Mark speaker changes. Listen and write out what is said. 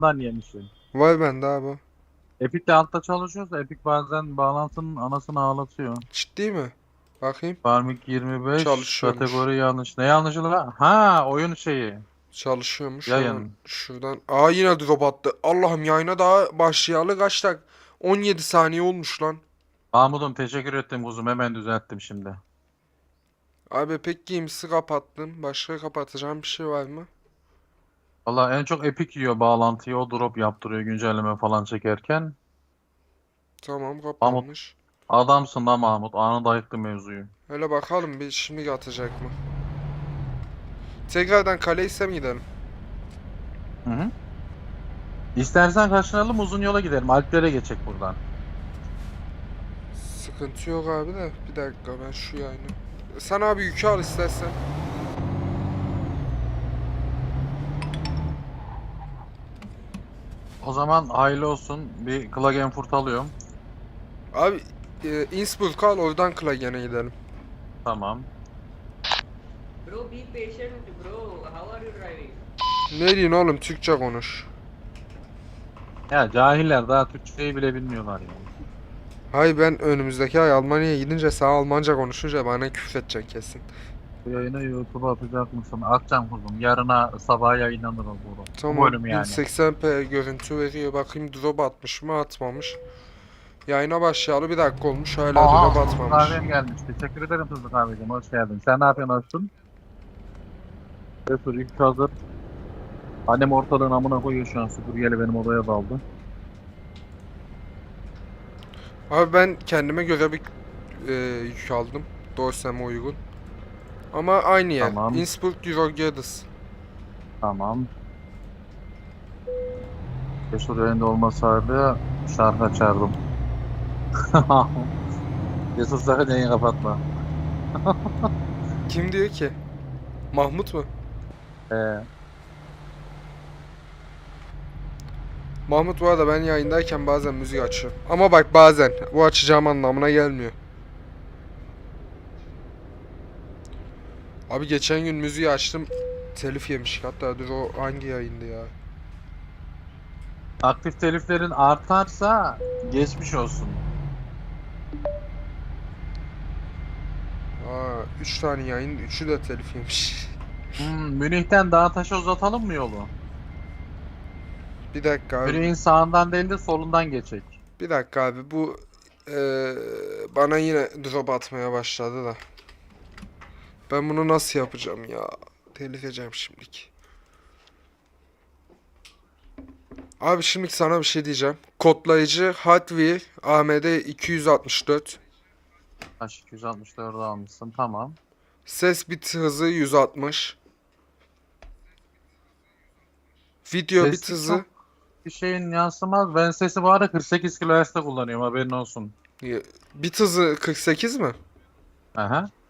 Speaker 1: yemişim.
Speaker 2: Var bende abi.
Speaker 1: Epic de altta çalışıyorsa Epic bazen bağlantının anasını ağlatıyor.
Speaker 2: Ciddi mi? Bakayım.
Speaker 1: Farming 25
Speaker 2: Çalışıyormuş.
Speaker 1: kategori yanlış. Ne yanlışı lan? Ha, oyun şeyi.
Speaker 2: Çalışıyormuş hemen
Speaker 1: Yayın.
Speaker 2: şuradan. Aa yine drop attı. Allah'ım yayına daha başlayalı kaç dakika? 17 saniye olmuş lan.
Speaker 1: Mahmud'um teşekkür ettim kuzum, hemen düzelttim şimdi.
Speaker 2: Abi pek Games'i kapattım. Başka kapatacağım bir şey var mı?
Speaker 1: Valla en çok Epic yiyor bağlantıyı, o drop yaptırıyor güncelleme falan çekerken.
Speaker 2: Tamam
Speaker 1: Mahmut
Speaker 2: kapanmış.
Speaker 1: adamsın da Mahmut, anında ayıktı mevzuyu.
Speaker 2: Hele bakalım bir şimdi atacak mı? Tekrardan Kaleys'e mi gidelim?
Speaker 1: Hı hı. İstersen kaçınalım, uzun yola gidelim. Alplere geçecek buradan.
Speaker 2: Sıkıntı yok abi de. Bir dakika ben şu yayını. Sen abi yükü al istersen.
Speaker 1: O zaman hayırlı olsun. Bir Klagenfurt alıyorum.
Speaker 2: Abi Innsbruck al oradan Klagen'e gidelim.
Speaker 1: Tamam.
Speaker 3: Bro, be patient, bro. How are you driving?
Speaker 2: Ne diyorsun oğlum Türkçe konuş.
Speaker 1: Ya cahiller daha Türkçeyi bile bilmiyorlar ya.
Speaker 2: Hay ben önümüzdeki ay Almanya'ya gidince sağ Almanca konuşunca bana küfredecek kesin.
Speaker 1: Bu yayını YouTube'a atacak mısın? Atacağım kuzum. Yarına sabah yayınlanır o bu. Bu
Speaker 2: Tamam
Speaker 1: bölüm yani.
Speaker 2: 1080p görüntü veriyor. Bakayım drop atmış mı atmamış. Yayına başlayalı bir dakika olmuş hala drop
Speaker 1: Aha, tuzlu
Speaker 2: atmamış.
Speaker 1: kahvem gelmiş. Teşekkür ederim tuzlu kahveciğim. Hoş geldin. Sen ne yapıyorsun Açtın? Resul ilk hazır. Annem ortalığın amına koyuyor şu an. Süpürgeyle benim odaya daldı.
Speaker 2: Abi ben kendime göre bir yük aldım. Dorseme uygun. Ama aynı yer.
Speaker 1: Tamam.
Speaker 2: Innsbruck Eurogedis.
Speaker 1: Tamam. Resul yayında olmasaydı şarkı açardım. Resul sakın yayını kapatma.
Speaker 2: Kim diyor ki? Mahmut mu?
Speaker 1: Ee,
Speaker 2: Mahmut bu arada ben yayındayken bazen müzik açıyorum. Ama bak bazen. Bu açacağım anlamına gelmiyor. Abi geçen gün müziği açtım. Telif yemiş. Hatta dur o hangi yayındı ya?
Speaker 1: aktif teliflerin artarsa geçmiş olsun.
Speaker 2: Aa 3 tane yayın 3'ü de telif yemiş.
Speaker 1: Münih'ten Dağtaş'a uzatalım mı yolu?
Speaker 2: Bir dakika abi.
Speaker 1: Münih'in sağından değil de solundan geçecek.
Speaker 2: Bir dakika abi bu bana yine drop atmaya başladı da. Ben bunu nasıl yapacağım ya? Telif edeceğim şimdilik. Abi şimdi sana bir şey diyeceğim. Kodlayıcı Hotwire AMD 264.
Speaker 1: H264'ü almışsın, tamam.
Speaker 2: Ses bit hızı 160. Video bit
Speaker 1: Sesi
Speaker 2: hızı
Speaker 1: çok bir şeyin yansımaz. Ben sesi bu ara 48 kHz'de kullanıyorum, haberin olsun.
Speaker 2: bit hızı 48 mi?
Speaker 1: Aha.